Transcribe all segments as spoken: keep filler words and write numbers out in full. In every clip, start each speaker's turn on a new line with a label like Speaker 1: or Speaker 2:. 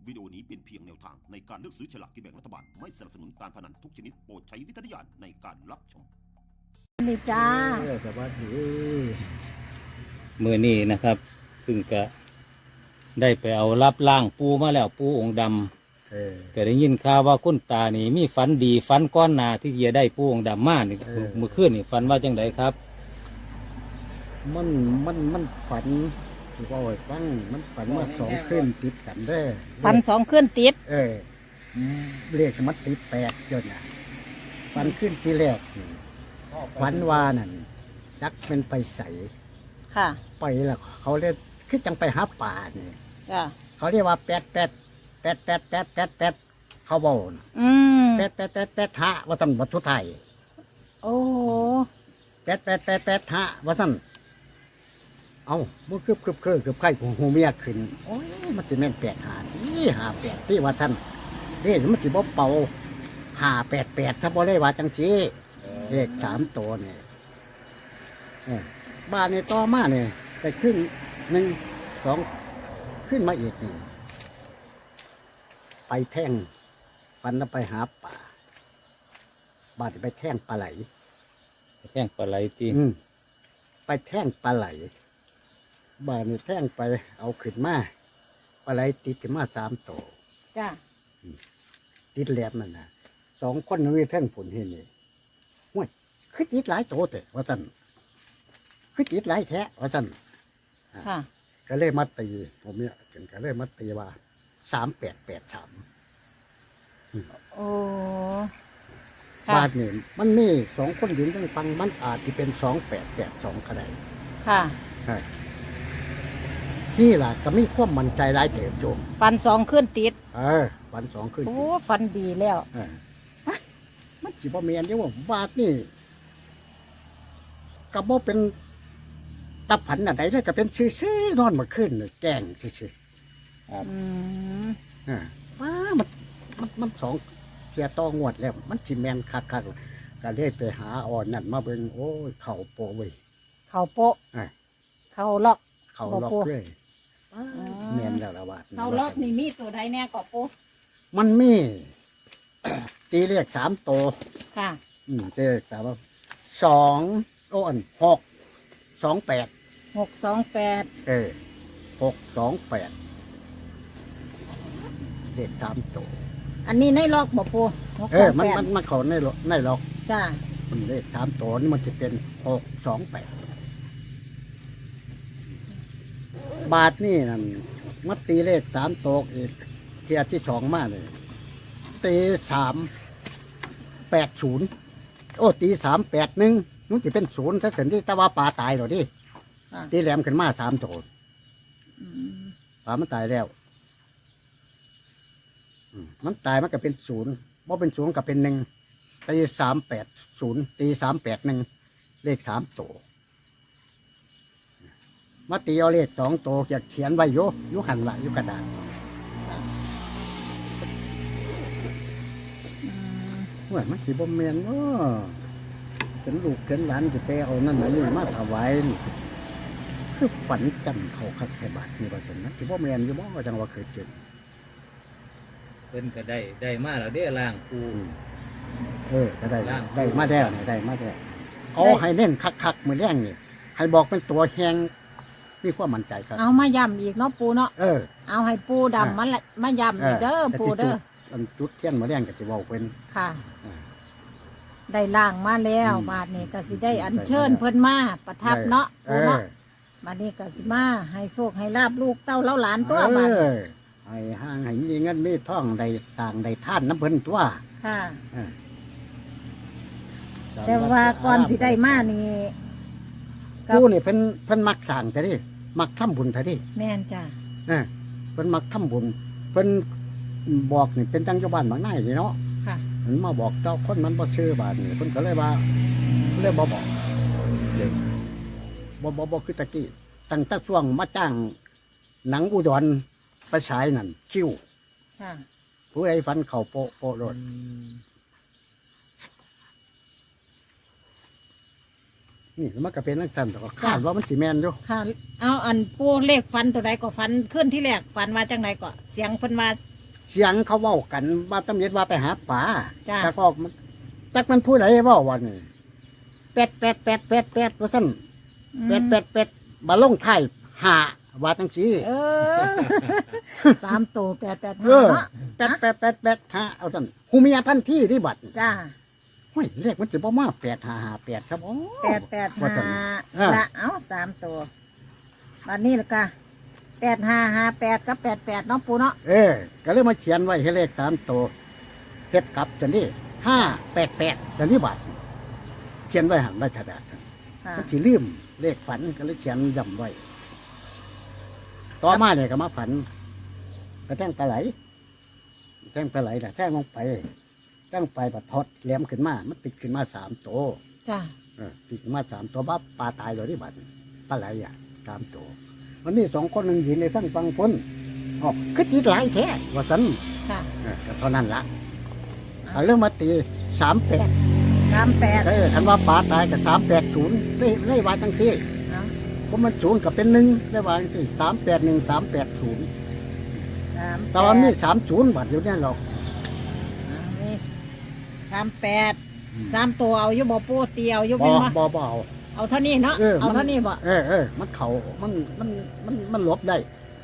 Speaker 1: วิดีโอนี้เป็นเพียงแนวทางในการเลือกซื้อฉลากกินแบ่งรัฐบาลไม่สนับสนุนการพนันทุกชนิดโปรดใช้วิจารณญาณในการรับชม
Speaker 2: นี่จ้า
Speaker 3: เออแต่ว่าดี
Speaker 4: มือนี้นะครับ ซึ่งก็ได้ไปเอารับล่างปูมาแล้วปูองค์ดำ
Speaker 3: เออ
Speaker 4: ก็ได้ยินข่าวว่าคุณตานี่มีฝันดีฝันก้อนหนาที่จะได้ปูองค์ดำมานี่
Speaker 3: เออ
Speaker 4: เมื่อคืนนี่ฝันว่าจังไดครับ
Speaker 3: มันมันมันฝันสิว่าไว้ฟังมันฝันว่าสองคืนติดกันเด้อ
Speaker 2: ฟันสองขึ้นติด
Speaker 3: เออเรียกมันติดแปดจนอ่ะฝันขึ้นที่แรกนี่ฝันว่านั่นจักเป็นไปใส
Speaker 2: ค่ะ
Speaker 3: ไปแล้วเขาเรียกคือจังไปหาป่านี่
Speaker 2: จ้า
Speaker 3: เขาเรียกว่าแปดแปดแปดแปดแปดแปดแปดเขาบอก
Speaker 2: อืม
Speaker 3: แปดแปดแปดแปดฮะว่าสันวัตถุไทย
Speaker 2: โอ้โห
Speaker 3: แปดแปดแปดแปดฮะว่าสันเอามันคืบคืบคือคืบไข่ของหูเมียขึ้นโอ้ยมันจะแม่นแปดหาที่หาแปดที่ว่าสันเด็กมันจะบ่เป่าหาแปดแปดซะบ่ได้ว่าจังสีเลขสามตัวเนี่ยเออบ้านในต่อมาเนี่ยไปขึ้นหนึ่งสองขึ้นมาอีกนี่ไปแท่งฟันแล้วไปหาป่าบ้านไปแท่งปลาไหล
Speaker 4: แท่งปลาไหลตี
Speaker 3: อืมไปแท่งปลาไหลบ้านนี่แท่งไปเอาขึ้นมาปลาไหลติดขึ้นมาสามตัว
Speaker 2: จ้า
Speaker 3: ติดแหลมนั่นนะสองคนนี่แท่งผลเห็นนี่ห้วยคือติดหลายตัวแต่ว่าสันคือติดหลายแท้ว่าสัน
Speaker 2: ค่ะ
Speaker 3: ก็เลยมาตีผมเนี่ยถึงก็เลยมาตีว่าสามแปดแปดสาม
Speaker 2: โอ้ค่ะ
Speaker 3: บาทนี่มันมีสองคนยืนตั้งฟังมันอาจจะเป็นสองแปดแปดสองก็ได้
Speaker 2: ค่ะ
Speaker 3: ใช่นี่ล่ะก็มีความมั่นใจหลายเติบโจม
Speaker 2: ฟันสองขึ้นติด
Speaker 3: เออวันสองขึ้น
Speaker 2: โอ้ฟันดีแล้ว
Speaker 3: เออมันจีบเมียนเดียวว่าบาทนี่ก็บ่เป็นตะผันอะไรเลยก็เป็นซื่อๆนอนมาขึ้นน่ะแกล้งซื่อ
Speaker 2: อืม
Speaker 3: ๆอ่าว้ามันมันมันสองเทียต่องวดแล้ว มันจีแมนคักๆก็เลยไปหาอ่อนนั่นมาเบิ่งโอ้ยเข่าโปะเว้ย
Speaker 2: เข่าโปะ
Speaker 3: อ่า
Speaker 2: เข่าล็อก
Speaker 3: เขาล็อกเลยแมนแล้วละบาท
Speaker 2: เข่าล็อกนี่มีตัวใดแน่ก็ปู
Speaker 3: มันมี ตีเลขสามตัว
Speaker 2: ค่ะ
Speaker 3: อืมตีเลขสามสองโอ้อันหกสองแปด
Speaker 2: หกสองแปด
Speaker 3: เออหกสองแปดเลขสามตัว
Speaker 2: อันนี้ในล็อกบ่ปูหก
Speaker 3: เอ
Speaker 2: สอ
Speaker 3: อง มัน
Speaker 2: แปด
Speaker 3: มันมันเขาในล็อกในล็อก
Speaker 2: จ้า
Speaker 3: มันเลขสามตัวนี่มันจะเป็นหกสองแปดบาทนี่นั่นมัดตีเลขสามตัวอีกเทียที่สองมาเลย ตีสามแปดศูนย์โอ้ตีสามแปดหนึ่งนู้นจะเป็นศูนย์ถ้าเสร็จที่ตะว่าปลาตายหรอดิ
Speaker 2: ค่ะ
Speaker 3: ตีแหลมขึ้นมาสามโถ
Speaker 2: อืม
Speaker 3: ปลามันตายแล้วอืมมันตายมันก็เป็นศูนย์ว่าเป็นศูนย์ก็เป็นหนึ่งตีสามแปดศูนย์ตีสามแปดหนึ่งเลขสามโถมาตีเอาเลขสองโถอยากเขียนไว้โยอยุหันละอยุกระดาษ
Speaker 2: อืม
Speaker 3: ว่ามันสีบ่แมนว่าเป็นลูกเป็นหลานจะไปเอานั่นนี่มาถวายนี่คือฝันจันเขาคักแค่บาทนี่ว่าจังนั้นสิบ่แมนอยู่บ่ว่าจังว่าเคยเจอ
Speaker 4: เพิ่นก็ได้ได้มาแล้วเด้อล่างปู
Speaker 3: เออก็ได้
Speaker 4: ล่าง
Speaker 3: ได้มาแล้วนี่ได้มาแล้วเอาให้เน้นคักๆมือแรงนี่ให้บอกเป็นตัวแหงมีความมั่นใจครับ
Speaker 2: เอามาย้ำอีกเนาะปูเนาะ
Speaker 3: เออ
Speaker 2: เอาให้ปูดำมาละมาย้ำอีกเด้อปูเด้อ
Speaker 3: อันจุดเทียนมือแรงก็จะบอกเป็น
Speaker 2: ค่ะ
Speaker 3: อ่า
Speaker 2: ได้ล่างมาแล้ว
Speaker 3: อืม
Speaker 2: บาดนี้ก็สิได้อัญเชิญเพิ่นมาประทับเนาะ
Speaker 3: เอ
Speaker 2: ปู
Speaker 3: อ
Speaker 2: เนาะบาดนี้ก็สิมาให้โชคให้ลาบลูกเต้าเล้าหลานตัวบาด
Speaker 3: เอ
Speaker 2: นี้
Speaker 3: อให้ห่างให้มีเงินมีทองได้สร้างได้ท่านน้ำเพิ่นตัว
Speaker 2: ค่ะ
Speaker 3: เออ
Speaker 2: แต่ว่าก่อนสิได้มานี่ก็
Speaker 3: ผู้นี่เพิ่นเพิ่นมักสร้างแต่ดิมักทำบุญแต่ดิ
Speaker 2: แม่นจ้ะ
Speaker 3: เออเพิ่นมักทำบุญเพิ่นบอกนี่เป็นจังเจ้าบ้านบางนายนี่เนาะ
Speaker 2: ค่ะ
Speaker 3: มันมาบอกเจ้าคนมันบ่ชื่อบาดนี่เพิ่นก็เลยว่าเลยบ่บอกเลยบ่บ่บ่คือตะกี้ตั้งแต่ช่วงมาจ้างหนังอุดรไปฉายนั่นคิว
Speaker 2: ค่ะ
Speaker 3: ผู้ใดฟันเข้าโปะโปะโลดนี่มันก็เป็นจังซั่นแต่ก็คาดว่ามันสิแม่นอยู่
Speaker 2: ค่ะ เอาอันปูเลขฟันตัวใดก็ฟันขึ้นที่แรกฟันว่าจังไดก็เสียงเพิ่นว่า
Speaker 3: เสียงเขาเว้ากันว่าตำเนิดว่าไปหาป่า
Speaker 2: จ้า
Speaker 3: แต่ก็มันจักมันผู้ใดเว้าวันนี้แปดแปดแปดแปดแปดว่าซั่นแปดแปดแปดมาลงท้ายห้าว่าจังซี่
Speaker 2: เออ สามตัวแปดแปด
Speaker 3: เอ
Speaker 2: ห้า
Speaker 3: อ
Speaker 2: เนาะ
Speaker 3: แปดแปดแปดแปดห้าเอาซั่นหูเมียทันทีที่บัด
Speaker 2: จ้า
Speaker 3: เฮ้ยเลขมันจะบ่มาแปดห้าห้าแปดครับโอ้
Speaker 2: แปดแปด
Speaker 3: ว่า
Speaker 2: ห้า
Speaker 3: ซั่น อ่า
Speaker 2: ละเอาสามตัววันนี้ละกะแปดห้าห้าแปดกับแปดแปดเนาะปูเนาะ
Speaker 3: เออ ก็เลยมาเขียนไว้ให้เลขสามตัวเฮ็ดกลับจังนี้ห้าแปดแปดสันนิบาตเขียนไว้หันไว้กระดาษ
Speaker 2: ค่ะ
Speaker 3: มันสิลืมเลขฝันก็เลยเขียนย้ำไว้ ต่อมาเนี่ยก็มาฝันก็แท่งปลาไหลแท่งปลาไหลน่ะแท่งลงไปแท่งไปบัดทอดแหลมขึ้นมา มันติดขึ้นมาสามตัว
Speaker 2: จ้า
Speaker 3: เออติดขึ้นมาสามตัวบ้าปลาตายเลยที่บัดปลาไหลอ่ะสามตัวมันมีสองคนหนึ่งยืนในทั้งฟังพ้นออกคือติดหลายแท้ว่าสัน
Speaker 2: ค่ะ
Speaker 3: เออก็เท่านั้นละเอาเรื่องมาตีสามแปด
Speaker 2: สามแปด
Speaker 3: เออคันว่าปลาตายกับสามแปดศูนย์ได้ได้วาจังซี่
Speaker 2: เอา
Speaker 3: เพราะมันศูนย์กับเป็นหนึ่งได้วาจังซี่สามแปดหนึ่งสามแปดศูนย์
Speaker 2: สาม
Speaker 3: แต่ว่ามีสามศูนย์บัตรอยู่เนี่ยหรอก
Speaker 2: เอานี่สามแปดสามตัวเอาอยู่บ่ปูเตียวอยู่
Speaker 3: บ
Speaker 2: เป็น
Speaker 3: อ
Speaker 2: บ่
Speaker 3: บอบอเอา
Speaker 2: เอาเท่านี้เนาะ
Speaker 3: เออ
Speaker 2: เอา
Speaker 3: มัน
Speaker 2: เท่านี้บ่
Speaker 3: เออเออมันเขามันมันมันมันหลบได้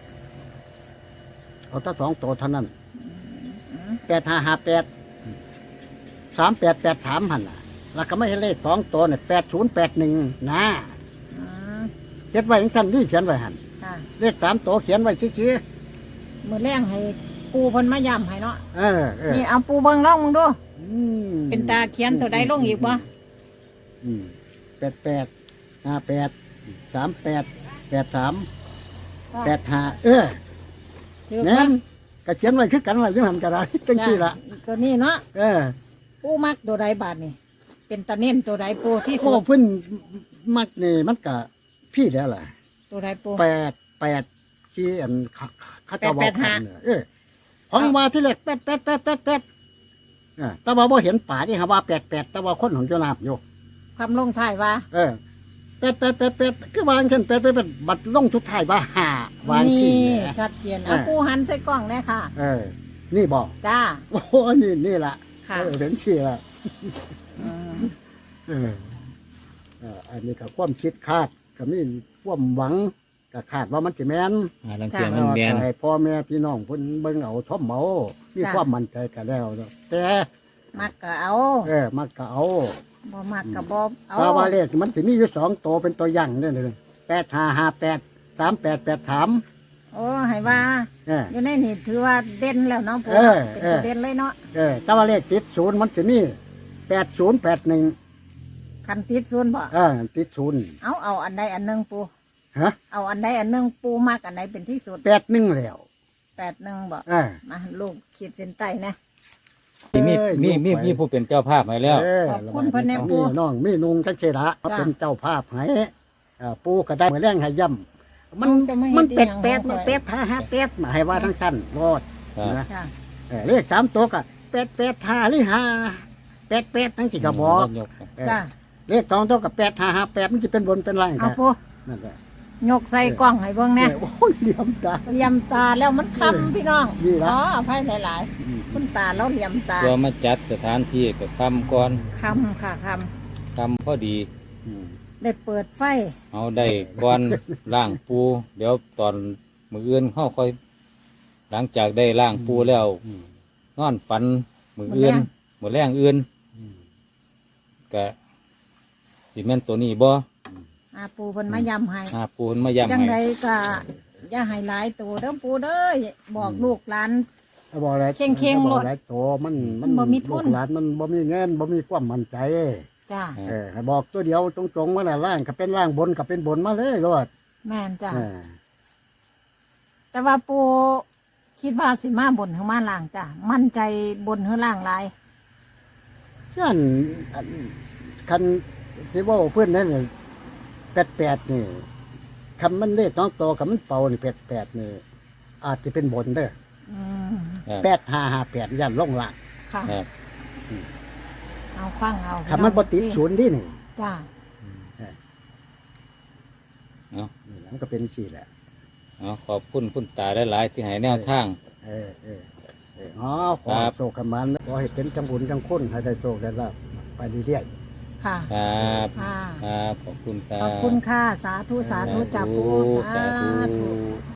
Speaker 3: เอาถ้าสองตัวเท่านั้น
Speaker 2: อืม
Speaker 3: แปดห้าห้าแปดสามแปดแปดสามหันล่ะ แล้วก็ไม่ให้เลขสองตัวเนี่ยแปดศูนย์แปดหนึ่งนะ
Speaker 2: อืม
Speaker 3: เขียนไว้ยังสั้นที่เขียนไว้หัน
Speaker 2: ค่ะ
Speaker 3: เลขสามตัวเขียนไว้ชี้
Speaker 2: มือแรงให้ปูเพิ่นมาย้ำให้เนาะ
Speaker 3: ๆเออเออ
Speaker 2: นี่เอาปูเบิ่งลองมึงดู
Speaker 3: อืม
Speaker 2: เป็นตาเขียนตัวใดลงอีกบ่
Speaker 3: อืมแปดแปดห้าแปดสามแปดแปดสามแปดห้าเออ
Speaker 2: ถือ
Speaker 3: เนี่ย
Speaker 2: ว่า
Speaker 3: ก็เขียนไว้คือกันไว้ยังหันกระดาษจังซี่ละ
Speaker 2: ตัวนี้เนาะ
Speaker 3: เออ
Speaker 2: ปูมักตัวใดบาทนี่เป็นตาเน้นตัวใดปูที่
Speaker 3: โอ้
Speaker 2: สุด
Speaker 3: เพิ่นมักนี่มันก็พี่แล้วล่ะ
Speaker 2: ตัวใดปู
Speaker 3: แปดแปดที่อันเขาเขาจะบอ
Speaker 2: แป
Speaker 3: ก
Speaker 2: ดแปดห้า
Speaker 3: กันเนี่ยเออของมาที่แรกแปดแปดแปดแปดแปดเออแต่ว่าบ่เห็นป่าที่หาว่าแปดแปดแต่ว่าคนของเจ้านาบอยู่
Speaker 2: คำลงท้ายว่า
Speaker 3: เออแปดแปดแปดแปดคือวางเช่นแปดแปดแปดบัดลงทุกท้ายว่าห้าวาง
Speaker 2: นี่
Speaker 3: สี่แหละ
Speaker 2: ชัดเจนเอา
Speaker 3: เออ
Speaker 2: ปูหันใส่กล้องเลยค่ะ
Speaker 3: เออ นี่บอก
Speaker 2: จ้า
Speaker 3: โอ้โหนี่นี่ละ
Speaker 2: ค่ะ
Speaker 3: เออเห็นสี่ละ
Speaker 2: อืม
Speaker 3: เออเอออันนี้ก็ความคิดคาดก็มีความหวังก็คาดว่ามันจะแม่น
Speaker 4: หาลังเกียจมันแมน
Speaker 3: ให้พ่อแม่พี่น้องเพิ่นเบิ่งเอาท่อมเมามีความมั่นใจกันแล้วเนาะแต่
Speaker 2: มักก็เอา
Speaker 3: เออมันก็เอา
Speaker 2: บ่มักก็บ่เอา
Speaker 3: ถ้าว่าเลขมันสิมีอยู่สองตัวเป็นตัวอย่างเด้อเลยแปดห้าห้าแปดสามแปดแปดสาม
Speaker 2: โอ้ให้ว่า
Speaker 3: เออ
Speaker 2: อยู่ในนี่ถือว่าเด่นแล้วเนาะปู
Speaker 3: เออ
Speaker 2: เป็น
Speaker 3: เออ
Speaker 2: ตัวเด่นเลยเนาะ
Speaker 3: เออถ้าว่าเลขติดศูนย์มันสิมีแปดศูนย์แปดหนึ่ง
Speaker 2: คันติดศูนย์บ่
Speaker 3: เออติดศูนย์
Speaker 2: เอาเอาอันใดอันหนึงปู
Speaker 3: ฮะ
Speaker 2: เอาอันใดอันหนึงปูมักอันไหนเป็นที่สุด
Speaker 3: แปดหนึ่งแล้ว
Speaker 2: แปดหนึ่งบ่
Speaker 3: เออ
Speaker 2: มาลูกขีดเส้นใต้นะ
Speaker 4: มี
Speaker 3: เอ้ย
Speaker 4: มีมี
Speaker 3: ลูกไป
Speaker 4: มีผู้เป็นเจ้าภาพมาแล้ว
Speaker 3: เออ
Speaker 2: ขอบคุณเพิ่นแน่ปู่
Speaker 3: มีน้องมีนุงจักเจระเขา
Speaker 2: จ้ะ
Speaker 3: เป็นเจ้าภาพให้อ่าปู่ก็ได้มาแรงให้ย่ำมัน
Speaker 2: จะไม่ให้
Speaker 3: มัน
Speaker 2: ดี
Speaker 3: เป็ด
Speaker 2: อย่าง
Speaker 3: เป็ด
Speaker 2: ของ
Speaker 3: มัน
Speaker 2: ข่อย
Speaker 3: เป็ดห้าห้าเป็ดมาให้ว่าทั้งสั้นรอด
Speaker 4: ครับ
Speaker 3: นะ
Speaker 2: จ้า
Speaker 3: เออเลขสามตัวก็เป็ดเป็ดห้าหรือห้าเป็ดเป็ดทั้งสี่กระบอก
Speaker 4: ยก
Speaker 3: เออ
Speaker 2: จ้า
Speaker 3: เลขสองตัวกับเป็ดห้าห้าเป็ดมันจะเป็นบนเป็นล่าง
Speaker 2: เอา
Speaker 3: กัน
Speaker 2: ปู
Speaker 3: นั่นแหละ
Speaker 2: ยกใส่กล้องให้เบิ่งแน่
Speaker 3: เออโอ้ยเหลี่ยมตา
Speaker 2: เหลี่ยมตาแล้วมันคำพี่น้อง
Speaker 3: นี่ละ
Speaker 2: อ๋ออภัยหลายๆคุณตาแล้วเหลี่ยมตา
Speaker 4: ตัวมาจัดสถานที่กับคำก่อน
Speaker 2: คำค่ะค
Speaker 4: คำพอดี
Speaker 3: อืม
Speaker 2: ำได้เปิดไฟ
Speaker 4: เอาได้ก่อนล่างปู เดี๋ยวตอนมืออื่นเข้าค่อย หลังจากได้ล่างปูแล้ว
Speaker 3: อืม
Speaker 4: นอนฝันมืออื่นมือแรงอื่น
Speaker 3: อืม
Speaker 4: กะสิแม่นตัวนี้บ่
Speaker 2: อาปูเพิ่นมายำให้
Speaker 4: หาปูนมาย้ำ
Speaker 2: จังไร
Speaker 4: ให้
Speaker 2: ก็อย่าให้หลายตัวเด้อปูเด้อบอกลูกหลาน
Speaker 3: เอาบอกอะไร
Speaker 2: เข่งๆ
Speaker 3: อาบอก
Speaker 2: โลด
Speaker 3: อะไรโตมัน
Speaker 2: มันบ่มีทุน
Speaker 3: ลูกหลานมันบ่มีเงินบ่มีความมั่นใจ
Speaker 2: จ้า
Speaker 3: เออให้บอกตัวเดียวตรงๆว่าน่ะล่างก็เป็นล่างบนก็เป็นบนมาเลยรอด
Speaker 2: แม่นจ้า
Speaker 3: เออ
Speaker 2: แต่ว่าปูคิดว่าสิมาบนหรือมาล่างจ้ามั่นใจบนหรือล่างหลาย
Speaker 3: ยันอันคันที่ว่าเพื่อนนั่นแปดแปดนี่คำมันเลขน้องโตกับมันเป่านี่แปดแปดนี่อาจจะเป็นบนเด้อ
Speaker 2: อืม
Speaker 4: ครับ
Speaker 3: แปดห้าห้าแปดยันลงล่าง
Speaker 2: ค่ะ
Speaker 4: ครับ
Speaker 2: เอาฟังเอา
Speaker 3: คำมันบ่ติดศูนย์ดินี่
Speaker 2: จ้า
Speaker 4: เอา
Speaker 3: นี่แหละมันก็เป็นสี่แหละ
Speaker 4: เอาขอบคุณคุณตาหลายๆที่ให้แนวทาง
Speaker 3: เออเออเอออ๋อขอโชคกันมันขอให้เป็นจังบุญจังคุณให้ได้โชคได้ลาภไปเรื่อยๆ
Speaker 2: ค่ะ
Speaker 4: ครับ
Speaker 2: ค่ะ
Speaker 4: ครับขอบคุณครับ
Speaker 2: ขอบคุณค่ะ สาธุ สาธุจ่าปู
Speaker 4: สาธุ
Speaker 2: สาธุ